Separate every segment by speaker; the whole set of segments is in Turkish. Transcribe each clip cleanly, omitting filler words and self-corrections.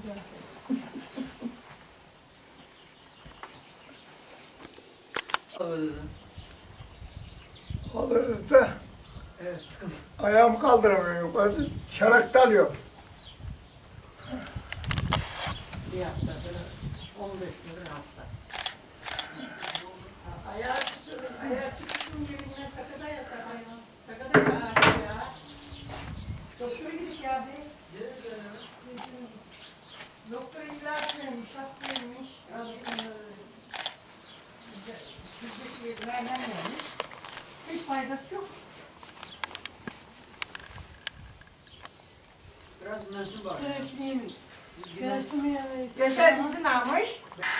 Speaker 1: Alırız da ayağımı kaldıramıyorum yukarı. Şarak dalıyor.
Speaker 2: Bir haftadır 15 gün hasta. Ayağı çıktım cebinden sakada yatar ayağım. Sakada yatar ya. Doktora gittik ya abi. Doktor ilaç vermiş, hap vermiş. Merhem vermiş. Hiç faydası yok.
Speaker 3: Biraz mensup var.
Speaker 2: Yaşar bizi ne yapmış?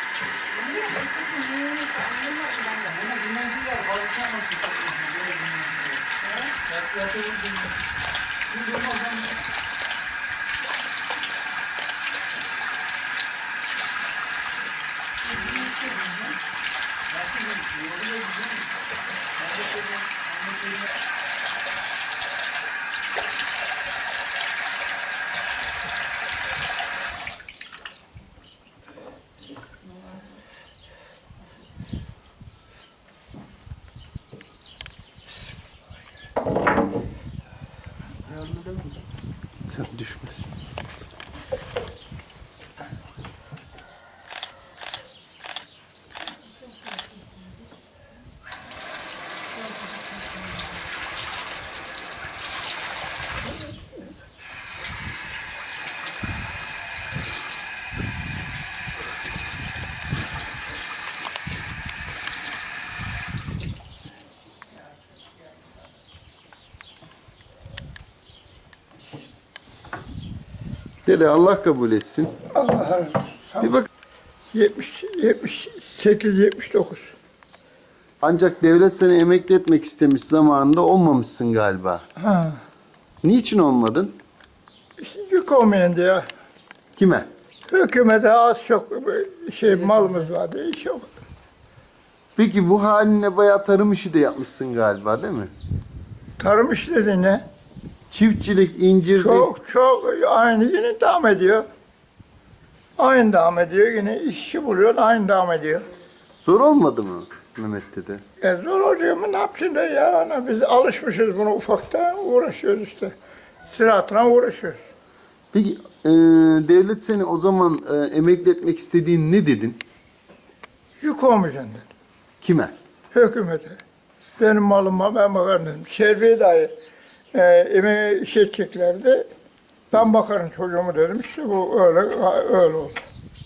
Speaker 4: Sen düşmesin. Dede Allah kabul etsin.
Speaker 1: Allah razı olsun.
Speaker 4: Bir bak.
Speaker 1: 78, 79.
Speaker 4: Ancak devlet seni emekli etmek istemiş zamanında olmamışsın galiba.
Speaker 1: Ha.
Speaker 4: Niçin olmadın?
Speaker 1: İşte yük olmayan diye.
Speaker 4: Kime?
Speaker 1: Hükümete az çok malımız vardı, iş yok.
Speaker 4: Peki bu haline bayağı tarım işi de yapmışsın galiba değil mi?
Speaker 1: Tarım işleri ne?
Speaker 4: Çiftçilik, incir,
Speaker 1: Çok aynı yine devam ediyor. Aynı devam ediyor yine işçi buluyor aynı devam ediyor.
Speaker 4: zor olmadı mı Mehmet dede?
Speaker 1: Zor oluyor mu ne yapacaksın da ya ana biz alışmışız buna ufaktan uğraşıyoruz işte. Ziraatına uğraşıyoruz.
Speaker 4: Peki devlet seni o zaman emekli etmek istediğin ne dedin?
Speaker 1: Yük olmayacaksın dedim.
Speaker 4: Kime?
Speaker 1: Hükümete. Benim malıma ben bakarım dedim. Şerbiye dahi emeğe iş edeceklerdi. Ben bakarım çocuğumu dedim. İşte bu öyle oldu.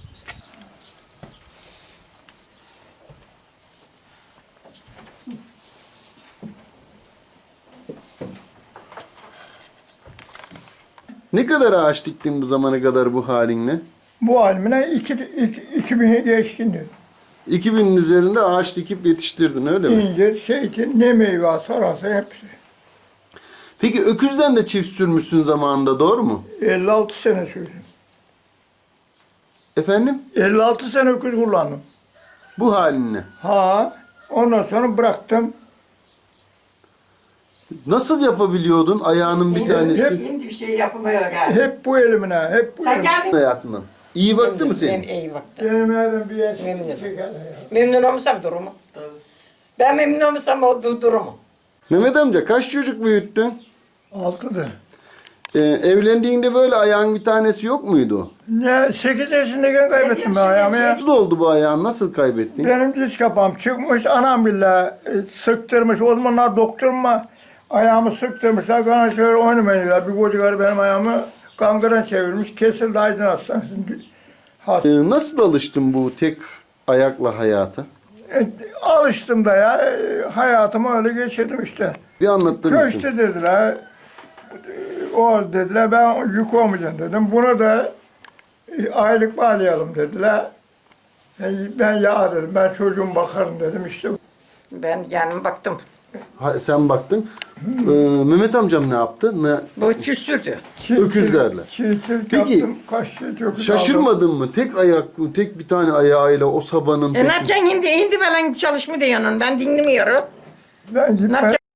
Speaker 4: Ne kadar ağaç diktin bu zamana kadar bu halinle?
Speaker 1: Bu halimine 2000'e geçkin dedim.
Speaker 4: 2000'in üzerinde ağaç dikip yetiştirdin öyle mi?
Speaker 1: İncir, zeytin, ne meyve sararsa hepsi.
Speaker 4: Peki öküzden de çift sürmüşsün zamanında doğru mu?
Speaker 1: 56 sene sürdüm.
Speaker 4: Efendim?
Speaker 1: 56 sene öküz kullandım.
Speaker 4: Bu halinle.
Speaker 1: Ha, ondan sonra bıraktım.
Speaker 4: Nasıl yapabiliyordun ayağının bir tanesi?
Speaker 2: Şimdi bir şey yapmıyor galiba.
Speaker 1: Hep bu elimine, hep bu
Speaker 2: Sen
Speaker 1: elimine.
Speaker 2: geldin.
Speaker 4: Hayatından. İyi baktı mı
Speaker 2: Ben
Speaker 4: senin?
Speaker 2: iyi baktım.
Speaker 1: Benim evden bir yer
Speaker 2: Memnunum.
Speaker 1: çekerler ya.
Speaker 2: Memnun olmuşsam durumu. Ben memnun olmuşsam o durumu.
Speaker 4: Mehmet amca kaç çocuk büyüttün?
Speaker 1: 6'dır.
Speaker 4: Evlendiğinde böyle ayağın bir tanesi yok muydu?
Speaker 1: Ne, 8 yaşındayken kaybettim ben ayağımı ya.
Speaker 4: Nasıl oldu bu ayağın? Nasıl kaybettin?
Speaker 1: Benim diz kapağım çıkmış, anam bile sıktırmış. O zamanlar doktoruma ayağımı sıktırmışlar. Bana şöyle oynamayınlar. Bir kocakarı benim ayağımı kangren çevirmiş. Kesildi Aydın Hastanesi'nde.
Speaker 4: Nasıl alıştın bu tek ayakla hayata?
Speaker 1: Alıştım da ya. Hayatımı öyle geçirdim işte.
Speaker 4: Bir anlatır mısın?
Speaker 1: Köşte dediler. O dediler ben yük olmayacağım dedim. Bunu da aylık bağlayalım dediler. Ben ya dedim ben çocuğum bakarım dedim işte.
Speaker 2: Ben yani baktım.
Speaker 4: Sen baktın. Mehmet amcam ne yaptı?
Speaker 2: Bu çift sürdü.
Speaker 4: Öküzlerle.
Speaker 1: Çiğçilik
Speaker 4: Peki,
Speaker 1: yaptım. Kaç çift öküz aldım.
Speaker 4: Şaşırmadın mı? Tek ayak, tek bir tane ayağıyla o sabanın
Speaker 2: Ne yapacaksın hindi falan çalışma diyorsun. Ben dinlemiyorum.
Speaker 1: Ben
Speaker 2: Ne
Speaker 1: gitme,
Speaker 2: yapacaksın?